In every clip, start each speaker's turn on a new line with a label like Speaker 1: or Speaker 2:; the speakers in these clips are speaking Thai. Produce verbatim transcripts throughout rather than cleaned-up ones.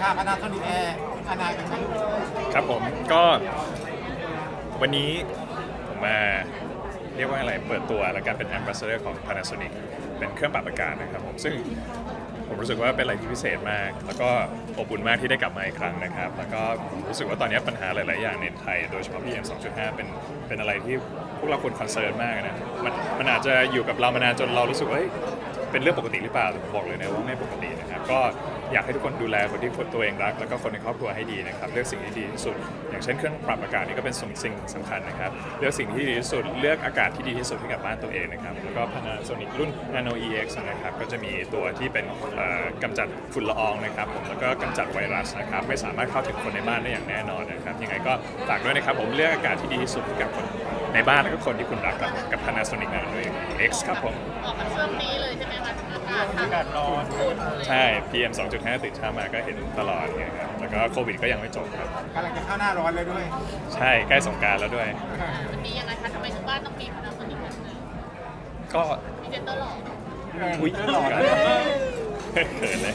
Speaker 1: อ่าพนาโซนิกแอร์อนาเป็นไง
Speaker 2: ครับผมก็วันนี้ผมมาเรียกว่าอะไรเปิดตัวและการเป็น Ambassador ของ Panasonic เป็นเครื่องปรับอากาศนะครับผมซึ่งผมรู้สึกว่าเป็นอะไรที่พิเศษมากแล้วก็อบอุ่นมากที่ได้กลับมาอีกครั้งนะครับแล้วก็ผมรู้สึกว่าตอนนี้ปัญหาหลาย ๆ อย่างในไทยโดยเฉพาะ พี เอ็ม สองจุดห้า เป็นเป็นอะไรที่พวกเราควรคอนเซิร์นมากนะมันมันอาจจะอยู่กับเรามานานจนเรารู้สึกว่าเป็นเรื่องปกติหรือเปล่าแต่ผมบอกเลยนะว่าไม่ปกตินะครับก็อยากให้ทุกคนดูแลคนที่ตัวเองรักแล้วก็คนในครอบครัวให้ดีนะครับเลือกสิ่งที่ดีที่สุดอย่างเช่นเครื่องปรับอากาศนี่ก็เป็นสิ่งสำคัญนะครับเลือกสิ่งที่ดีที่สุดเลือกอากาศที่ดีที่สุดให้กับบ้านตัวเองนะครับแล้วก็ Panasonic รุ่น Nano อี เอ็กซ์ นะครับก็จะมีตัวที่เป็นกำจัดฝุ่นละอองนะครับผมแล้วก็กำจัดไวรัสนะครับไม่สามารถเข้าถึงคนในบ้านได้อย่างแน่นอนนะครับยังไงก็ฝากด้วยนะครับผมเลือกอากาศที่ดีที่สุดให้กับคนในบ้านและก็คนที่คุณรักครับกับ Panasonic Nano อี เอ็กซ์ ครับผม
Speaker 3: ออกมาช่วงนี้เลยใช่ไหมคะอากาศ
Speaker 1: อากาศร้อน
Speaker 2: ใช่ พี เอ็ม สองจุดห้า ตื่นเช้ามาก็เห็นตลอดไงครับแล้วก็โควิดก็ยังไม่จบครับ
Speaker 1: กำลังจะเข้าหน้าร้อนเลยด้วย
Speaker 2: ใช่ใกล้สงกรานต์แล้วด้วย
Speaker 3: มันมียังไงคะทำไมถึงบ้านต้องมีพนักงานอีกคนนึง
Speaker 2: ก็
Speaker 3: มีเจนเตอร์หล่อ
Speaker 2: อุ้ย
Speaker 1: หล่อเลย
Speaker 2: เขินเลย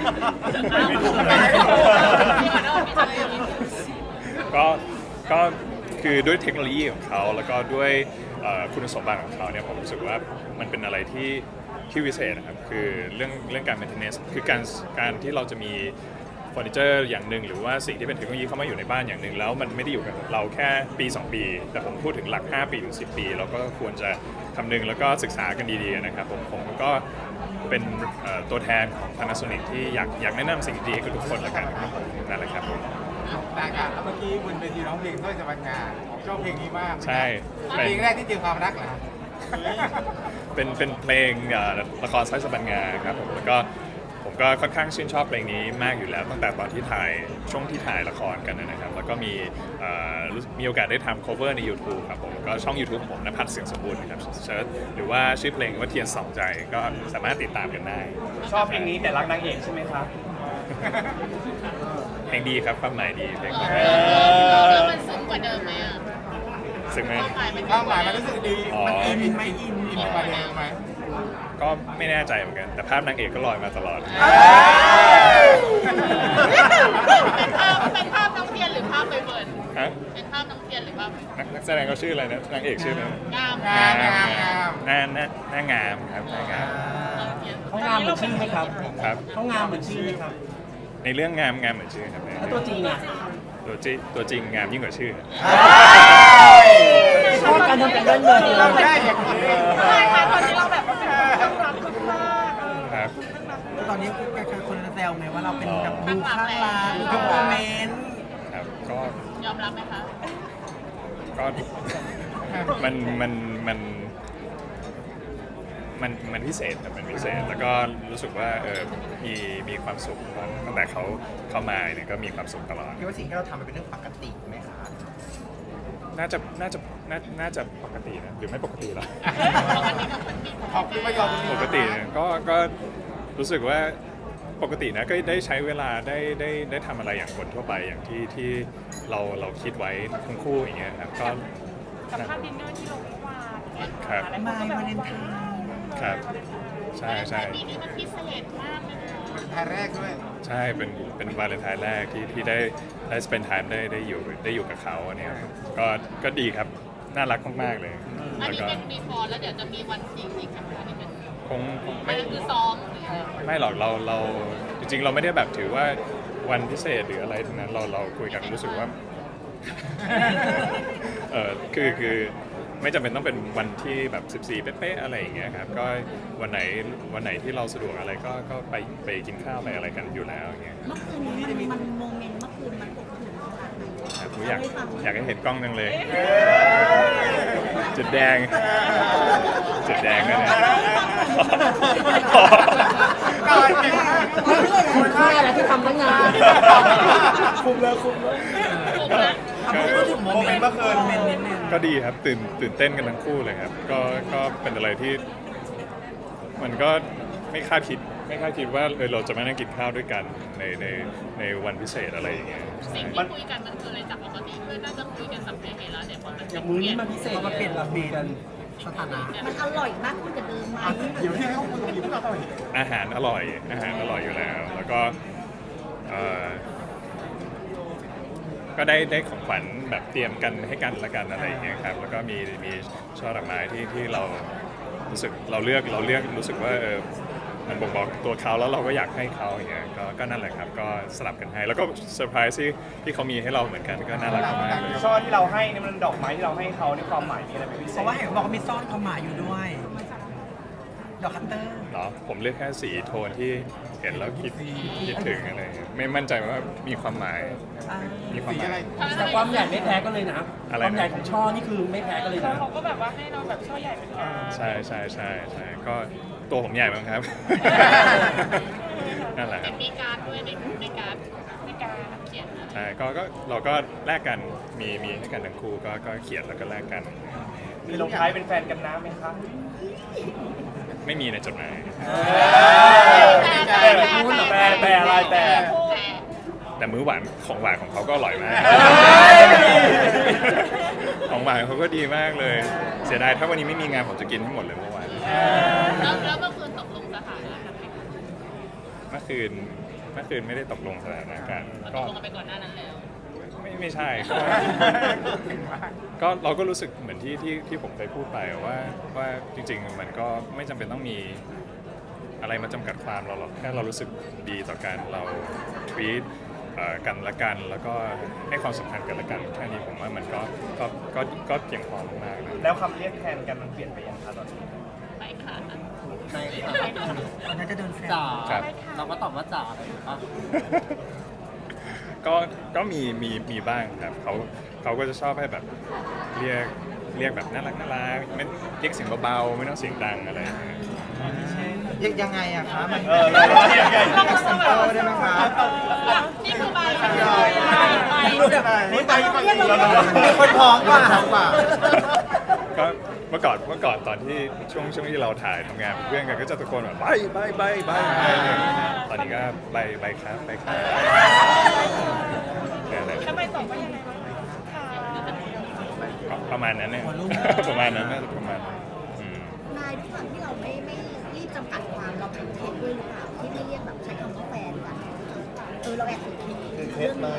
Speaker 2: ก็ก็คือด้วยเทคโนโลยีของเขาแล้วก็ด้วยคุณสมบัติของเขาเนี่ยผมรู้สึกว่ามันเป็นอะไรที่ที่วิเศษนะครับคือเรื่องเรื่องการ maintenance คือการการที่เราจะมีเฟอร์นิเจอร์อย่างหนึ่งหรือว่าสิ่งที่เป็นเทคโนโลยีเข้ามาอยู่ในบ้านอย่างหนึ่งแล้วมันไม่ได้อยู่กับเราแค่ปีสองปีแต่ผมพูดถึงหลักห้าปีถึงสิบปีเราก็ควรจะคำนึงแล้วก็ศึกษากันดีๆนะครับผมผมก็เป็นตัวแทนของ Panasonic ที่อยากอยากแนะนำสิ่งดีให้กับทุกคนละกันครับนั่นแหละครับผม
Speaker 1: แต่การเมื่อกี้บนเวทีร้องเพลงด้วยสมัครงานชอบเพลงนี้มาก
Speaker 2: ใช่
Speaker 1: เพลงแรกที่เจอความรักเหรอ
Speaker 2: เป็นเป็นเพลงละครสร้อยสบันงาครับผมแล้วก็ผมก็ค่อนข้างชื่นชอบเพลงนี้มากอยู่แล้วตั้งแต่ตอนที่ถ่ายช่วงที่ถ่ายละครกันนะครับแล้วก็มีมีโอกาสได้ทำ cover ใน YouTube ครับผมก็ช่อง YouTube ผมณภัทรเสียงสมบูรณ์นะครับเซิร์ชหรือว่าชื่อเพลงว่าเทียนสองใจก็สามารถติดตามกันได้
Speaker 4: ชอบเพลงนี้แต่รักนางเอกใช่ไหมครับ
Speaker 2: เพลงดีครับความหมายดีเพลงนี้
Speaker 3: แล้วมันซึ้งกว่าเดิมไหมอ่ะ
Speaker 2: ซึ้งไหม
Speaker 1: ความหมายมันรู้สึกดีมันอินไหมอินอินกว่าเดิมไหม
Speaker 2: ก็ไม่แน่ใจเหมือนกันแต่ภาพนางเอกก็ลอยมาตลอด
Speaker 3: เป็นภาพเป็นภาพน้องเทียนหรือภาพใบเฟิร์น
Speaker 2: ฮะ
Speaker 3: เป็นภาพน้องเทียนหรือภาพ
Speaker 2: นักแสดงเขาชื่ออะไรนะนางเอกชื่ออะไร
Speaker 3: งาม
Speaker 1: งามงามงาม
Speaker 2: หน้าหน้าหน้างามครับหน้างาม
Speaker 4: เขางามเหมือนชื่อไหมครับ
Speaker 2: ครับ
Speaker 4: เขางามเหมือนชื่อไหมครับ
Speaker 2: ในเรื่องงามงามเหมือนชื่อครับ
Speaker 4: แล้วตัวจริงอ่ะ
Speaker 2: ตัวจริงตัวจริงงามยิ่งกว่าชื่อ
Speaker 4: ชอบการทำเป็นเรื่องเงิน
Speaker 1: เราได้อย่างนี้
Speaker 3: ใช่ค่ะตอนนี้เราแบบต้องรับมาก
Speaker 2: ครับ
Speaker 4: ตอนนี้คนแซวไหมว่าเราเป็นแบบดูข้างรักทุกโมเมนต์
Speaker 2: ครับก็
Speaker 3: ยอมรับไหมคะ
Speaker 2: ก็มันมันมันมันมันพิเศษแต่เป็นพิเศษแล้วก็รู้สึกว่าเออมีมีความสุขตั้งแต่เขาเข้ามาเนี่ยก็มีความสุขตลอด
Speaker 4: คิดว่าสิ่งที่เราทำมันเป็นเรื่องปกติไหมคะ
Speaker 2: น่าจะน่าจะน่าน่าจะปกตินะหรือไม่ปกติหรอ
Speaker 1: ขอบคุณไม่ยอม
Speaker 2: ปกติก็ก็รู้สึกว่าปกตินะก็ได้ใช้เวลาได้ได้ได้ทำอะไรอย่างคนทั่วไปอย่างที่ที่เราเราคิดไว้ทั้งคู่อย่างเงี้ยครับก็
Speaker 3: กับภาพดินเนอร์ที่ลงเมื่อวาน
Speaker 2: ครับ
Speaker 4: มายวาเลนไทน์
Speaker 2: ครับใช่ใช่
Speaker 3: ปีนี้มันพิเศษมากเลย
Speaker 1: ไทยแรกด้วย
Speaker 2: ใช่เป็นเป็นวาเลนไทน์แรกที่ที่ได้ได้ spend time ได้ได้อยู่ได้อยู่กับเขาเนี่ยก็ก็ดีครับน่ารักมากๆเลย
Speaker 3: อันนี้เป็นบีฟอร์แล้วเดี๋ยวจะมีวันจริงอีกค่ะนี่เป็น
Speaker 2: คง
Speaker 3: ไม่คือซ้อม
Speaker 2: ไม่หรอกเราเราจริงๆเราไม่ได้แบบถือว่าวันพิเศษหรืออะไรทั้งนั้นเราเราคุยกันรู้สึกว่าเออคือคือไม่จำเป็นต้องเป็นวันที่แบบสิบสี่เป๊ะๆอะไรอย่างเงี้ยครับก็วันไหนวันไหนที่เราสะดวกอะไรก็ก็ไปไปกินข้าวไปอะไรกันอยู่แล้วอย่างเงี้ย
Speaker 5: เมื่อคืนนี้มันมันโมเมนต์เมื่อคืนมันอบอุ่นขนาดไหน
Speaker 2: ครับผมอยากอยากให้เห็นกล้องจังเลยจุดแดงจุดแดงนั่นเอง
Speaker 4: ก่อนคุณค่าอะไรที่ทำตั้งนานคุ้มแล้วคุ้มแล้วพูดถึงโมเมนต์เมื่อคืนเมนนิดนึง
Speaker 2: ก็ดีครับตื่นตื่นเต้นกันทั้งคู่เลยครับก็ก็เป็นอะไรที่มันก็ไม่คาดคิดไม่คาดคิดว่าเออเราจะมานั่งกินข้าวด้วยกันในในในวันพิเศษอะไรอย่างเงี้ย
Speaker 3: สิ่งที่คุยกันมันคืออะไรจากปกติคือน่าจะคุยกันสัมเพเหระเดี๋ยวพอมัน
Speaker 4: อย่างมื้อนี้มันพิเศษมาเปลี่ยนระเบียนสถานะ
Speaker 5: มันอร่อยมากขึ้นกว่าเดิมไหม
Speaker 1: อยู่ที่เขาคุยกันอยู่ที่เรา
Speaker 2: อาหารอร่อยอาหารอร่อยอยู่แล้วแล้วก็เอ่อก็ได้ได้ของขวัญแบบเตรียมกันให้กันละกันอะไรอย่างเงี้ยครับแล้วก็มีมีช่อดอกไม้ที่ที่เรารู้สึกเราเลือกเราเลือกรู้สึกว่าเออมันบ่งบอกตัวเขาแล้วเราก็อยากให้เขาอย่างเงี้ยก็ก็นั่นแหละครับก็สลับกันให้แล้วก็เซอร์ไพรส์ที่ที่เขามีให้เราเหมือนกันก็น่ารักมากเลย
Speaker 4: ช่อที่เราให้นี่มันดอกไม้ที่เราให้เขาในความหมายมีอะไรเป็นพิเศษ
Speaker 6: เพราะว่าเห็นบอกว่ามีซ่อนความหมายอยู่ด้วย ดอกคัตเตอร์
Speaker 2: เนาะผมเลือกแค่สีโทนที่เห็นแล้วคิดคิดถึงอะไรอย่างเงี้ยไม่มั่นใจว่ามีความหมายมีความ
Speaker 1: สี
Speaker 2: หมา
Speaker 1: อะไร
Speaker 2: ย
Speaker 6: แต่ความใหญ่ไม่แพ้กันเลยนะ
Speaker 2: อะไรนะ
Speaker 6: ความใหญ่ของช่อนี่คือไม่แพ้กันเลยนะ
Speaker 3: เขาก็แบบว่าให้เราแบบช่อใหญ่เป็นงาน
Speaker 2: ใช่ใช่ใช่ใช่ก็ตัวผมใหญ่บ้างครับ นั่นแหละค
Speaker 3: แต่
Speaker 2: รับ
Speaker 3: มีการดด้วยในในการในการเขียนนะ
Speaker 2: ใช่ก็ก็เราก็แลกกันมีมีให้กันทั้งคู่ก็ก็เขียนแล้วก็แลกกัน
Speaker 4: มีลงท้ายเป็นแฟนกันนะไหมครับ
Speaker 2: ไม่มีในจดหมาย
Speaker 3: แต่แต่แต่
Speaker 4: แต่แต่อะไรแต่
Speaker 2: แต่มื้อหวานของหวานของเขาก็อร่อยมาก ของหวานเขาก็ดีมากเลย เสียดายถ้าวันนี้ไม่มีงานผมจะกินทั้งหมดเลยเมื่อวาน
Speaker 3: แล้วแล้วเมื่อคืนตกลงสถานะกันไหม
Speaker 2: เมื่อคืนเมื่อคืนไม่ได้ตกลงสถานะกัน
Speaker 3: ต
Speaker 2: ก็
Speaker 3: กลงกันไปก่อนหน้านั้นแล้ว
Speaker 2: ไม่ไม่ใช่ก็ก็เราก็รู้สึกเหมือนที่ที่ที่ผมเคยพูดไปว่าว่าจริงๆมันก็ไม่จำเป็นต้องมีอะไรมาจำกัดความเราหรอกแค่เรารู้สึกดีต่อกันเราทวีตกันละกันแล้วก็ให้ความสำคัญกันละกันแค่นี้ผมว่ามันก็ก็ก็ก็เพียงพอมากๆนะ
Speaker 4: แล้วคำเรียกแทนกันมันเปลี่ยนไปยังคะตอนนี้
Speaker 3: ไปค่ะ
Speaker 6: ในวันนั้นจะเดินแซว
Speaker 7: จ๋า
Speaker 2: ครับ
Speaker 7: เราก็ตอบว่าจ๋าไปถูกปะ
Speaker 2: ก็ก็มีมีมีบ้างครับเขาเขาก็จะชอบให้แบบเรียกเรียกแบบน่ารักน่ารักไม่เรียกเสียงเบาๆไม่ต้องเสียงดังอะไรอย่างเงี้ย
Speaker 6: ยังไงอะคะมัน
Speaker 4: เออเราเรายังไง
Speaker 6: ซัมเปิลได้ไหมคะ
Speaker 3: นี่คือใบใบ
Speaker 6: ใบนี่ใบ
Speaker 4: มีคนพร้อมกว่า
Speaker 2: ก็เมื่อก่อนเมื่อก่อนตอนที่ช่วงช่วงที่เราถ่ายทำงานเป็นเพื่อนกันก็จะตะโกนแบบใบใบใบใบใบตอนนี้ก็ใบใบครับใบครับแค่นั้น
Speaker 3: ทำไมตอบว่ายังไงคะ
Speaker 2: ก็ประมาณนั้นเนี่ย ประมาณนั้นน่าจะประมาณนั้นอืม
Speaker 5: นายด้วยความที่เราไม่ไม่รีบจำกัดความเราเป็นเทคด้วยหรือเปล่าที่ไม่เรียกแบบใช้คำว่าแฟนกันเออเราแอบถือเคสไหม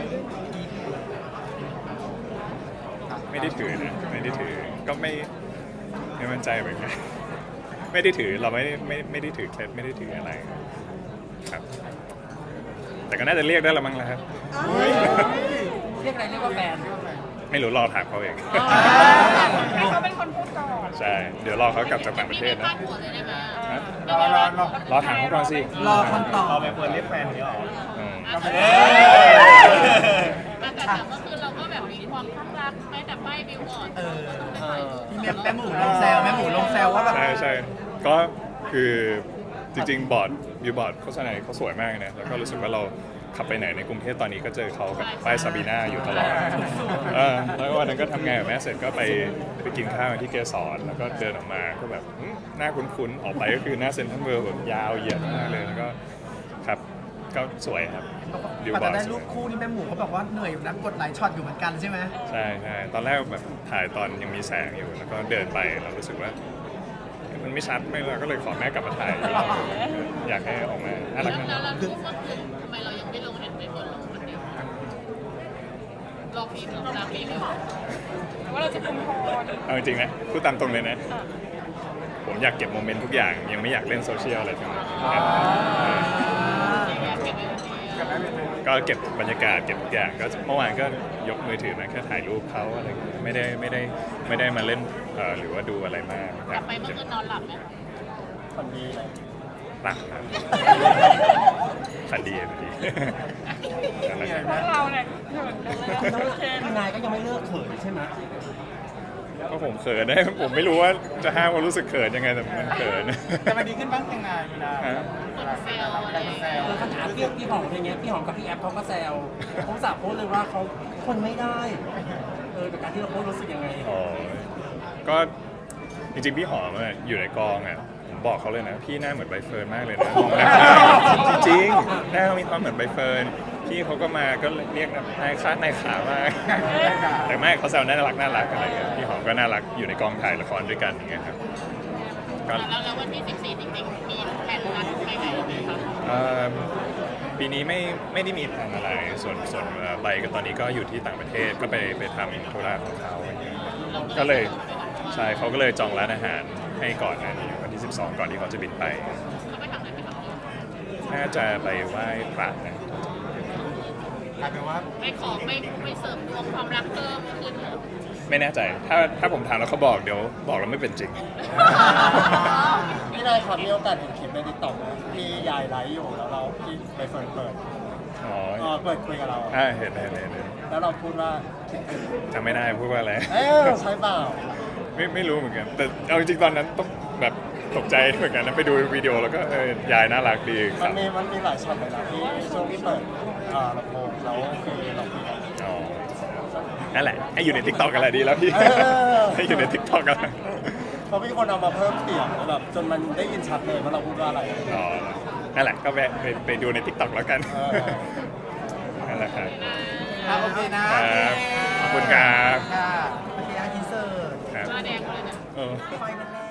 Speaker 2: ไม่ได้ถือนะไม่ได้ถือก็ไม่ไม่มั่นใจเหมือนกันไม่ได้ถือเราไม่ได้ไม่ไม่ได้ถือเคล็ดไม่ได้ถืออะไรครับ แต่ก็น่าจะเรียกได้ละมั้งแล้วครับ
Speaker 6: เรียกอะไรเรียกว่าแฟน
Speaker 2: ไม่รู้รอถามเขาเอง
Speaker 3: ให้เขาเป็นคนพูดก่อน
Speaker 2: ใช่เดี๋ยวรอเขากลับจากต่างประเทศ
Speaker 3: ไม่
Speaker 2: นะ
Speaker 3: พลาดหัวเลยได้ไหม
Speaker 2: ฮะ
Speaker 1: รอรอรอ
Speaker 2: รอถามเขาก่อนสิ
Speaker 6: รอคำตอบ
Speaker 4: เราไปเปิดเรียกแฟนนี้หรอ
Speaker 2: อืม
Speaker 4: เอ้ย
Speaker 3: แต่แต่เมื่อคืนเราก็แบบมีความข้างรักแม้แต่ป้ายบิวบอร์ด
Speaker 6: เออ
Speaker 3: เออ
Speaker 6: พี่แม่แม่หมูลงแซวแม่หมูลงแซวว่าแบบ
Speaker 2: ใช่ใช่ก็คือจริงๆบอร์ดบิวบอร์ดโฆษณาเขาสวยมากนะแล้วก็รู้สึกว่าเราขับไปไหนในกรุงเทพตอนนี้ก็เจอเขากับป้ายซาบีนาอยู่ตลอดเออแล้ววันนั้นก็ทำงานกับแม่เสร็จก็ไปไปกินข้าวที่เกสรแล้วก็เดินออกมาก็แบบอืมหน้าคุ้นๆออกไปก็คือหน้าเซ็นทรัลเวิลด์แบบยาวเหยียดมากเลยแล้วก็ครับก็สวยครับบิว
Speaker 6: กว่า
Speaker 2: บอ
Speaker 6: จะ
Speaker 2: ร์ด
Speaker 6: ได้
Speaker 2: ส
Speaker 6: รู
Speaker 2: วย
Speaker 6: ปคู่นี่แม่หมูเขาบอกว่าเหนื่อยอยู่นะกดหลายช็อตอยู่เหมือนกันใช่ไหม
Speaker 2: ใช่ใช่ตอนแรกแบบถ่ายตอนยังมีแสงอยู่แล้วก็เดินไปเรารู้สึกว่ามันไม่ชัดไม่เลยก็เลยขอแม่กลับมาถ่ายอีกรอบอยากให้ออกมาน่ารัก
Speaker 3: แล้ว
Speaker 2: นะ
Speaker 3: แล้วรูปเมื่อคืนทำไมเรายังไม่ลงเห็นไปบนลงวันเดียวรอฟิล์มลงตามฟิล์มอยู่ว่าเราจะคุมโทน
Speaker 2: เอาจริงๆนะพูดตามตรงเลยนะ ผมอยากเก็บโมเมนต์ทุกอย่างยังไม่อยากเล่นโซเชียลอะไรทั้งนั้นก็เก็บบรรยากาศเก็บทุกอย่างก็เมื่อวานก็ยกมือถือมาแค่ถ่ายรูปเขาอะไรอย่างเงี้ยไม่ได้ไม่ได้ไม่ได้มาเล่นเอ่อหรือว่าดูอะไรมาก
Speaker 3: กลับไปเมื่อคืนนอนหลับไหม
Speaker 4: คนดีเลย
Speaker 2: หลับครับฝันดีฝันดีนั่นแหละครับ
Speaker 3: พวกเราเนี่ยเขินกันเลย
Speaker 6: นายก็ยังไม่เลิกเขินใช่ไหม
Speaker 2: ก็ผมเขินนะผมไม่รู้ว่าจะห้ามความรู้สึกเขินยังไงแต่มันเขิน
Speaker 1: แต่มันดีขึ้นบ้างยังไงเวลา
Speaker 2: ฮะ
Speaker 3: คนเซลอะไรอย่าง
Speaker 1: แซ
Speaker 3: เงี้ยว
Speaker 6: เออขนาดพี่พี่หอมอะไรเงี้ยพี่หอมกับพี่แอฟเขาก็แซวเขาสาบโพสเลยว่าเขาคนไม่ได้เออกับการที่เราโพสรู้สึกยังไง
Speaker 2: อ๋อก็จริงๆพี่หอมอะอยู่ในกองอ่ะผมบอกเขาเลยนะพี่หน้าเหมือนใบเฟิร์นมากเลยนะมองหน้าจริงๆหน้าเขามีความเหมือนใบเฟิร์นพี่เขาก็มาก็เรียกนะนายค้านายขามากแต่ไม่เขาแซวน่ารักน่ารักอะไรเงี้ยพี่หอมก็น่ารักอยู่ในกองถ่ายละครด้วยกันอย่างเงี้ยครับก็
Speaker 3: แล้วแล้ววันที่สิบสี่จริงๆมีแผนนัดไปไหนไหมคะ
Speaker 2: เอ่อปีนี้ไม่ไม่ได้มีแผนอะไร ส่วนส่วนเอ่อใบก็ตอนนี้ก็อยู่ที่ต่างประเทศก็ไปไปทำธุระของเขาอย่างเงี้ยก็เลยใช่เขาก็เลยจองร้านอาหารให้ก่อนหนะนี้วันที่สิบสองก่อนที่เขาจะบินไป
Speaker 3: เขาไปทำอะไรไปทำ
Speaker 2: น่าจะไปไหว้พระนะ
Speaker 1: กลายเป็นว่า
Speaker 3: ไม่ขอไม่ไม่เสริมดวงความรักเพิ่มขึ้นเหรอ
Speaker 2: ไม่แน่ใจ ถ้าถ้าผมถามแล้วเขาบอกเดี๋ยวบอกแล้วไม่เป็นจริง
Speaker 7: พี่นายครับมีโอกาสเห็นคลิปในติ๊กต็อกไหมพี่ยายไลฟ์อยู่แล้วเราพี่ไปเฟิร์นเปิด
Speaker 2: อ๋อ
Speaker 7: เออเปิดคุยกับเรา
Speaker 2: อ่าเห็นเห็นเห็นเห็น
Speaker 7: แล้วเราพูดว่า
Speaker 2: จำไม่ได้พูดว่าอะไร
Speaker 7: เอ๊ะใช่เปล่า
Speaker 2: ไม่ไม่รู้เหมือนกัน แต่เอาจริงๆตอนนั้นต้องแบบตกใจเหมือนกันนะไปดูวิดีโอแล้วก็เออยายน่ารักดีค
Speaker 7: มั
Speaker 2: รั
Speaker 7: น
Speaker 2: บ
Speaker 7: มีมันมีหลายช็อตเลยนะที่ช่วงที่เปิดเอ่อลำโพงแล้วคือเราคุยกัน
Speaker 2: อ๋อนั่นแหละ ให้อยู่ในทิกตอกกันแหละดีแล้วพี่
Speaker 7: เออ
Speaker 2: ให้อยู่ในทิกตอกกัน
Speaker 7: เพราะมีคนเอามาเพิ่มเสียงแบบจนมันได้ยินชัดเลยว่าเราพูดว่าอะไร
Speaker 2: อ๋อนั่นแหละก็แวะไปไปดูในทิกตอกแล้วกัน
Speaker 7: เออ
Speaker 2: นั่นแหละครับ
Speaker 1: อ่ะโอเคนะครับ
Speaker 2: ขอบคุณครับ
Speaker 4: ค่ะโอเคนะอินเสิร์ต
Speaker 2: ครับ
Speaker 3: หน้าแดงเลยเนี่ย
Speaker 2: เออ
Speaker 4: ไฟมันแรง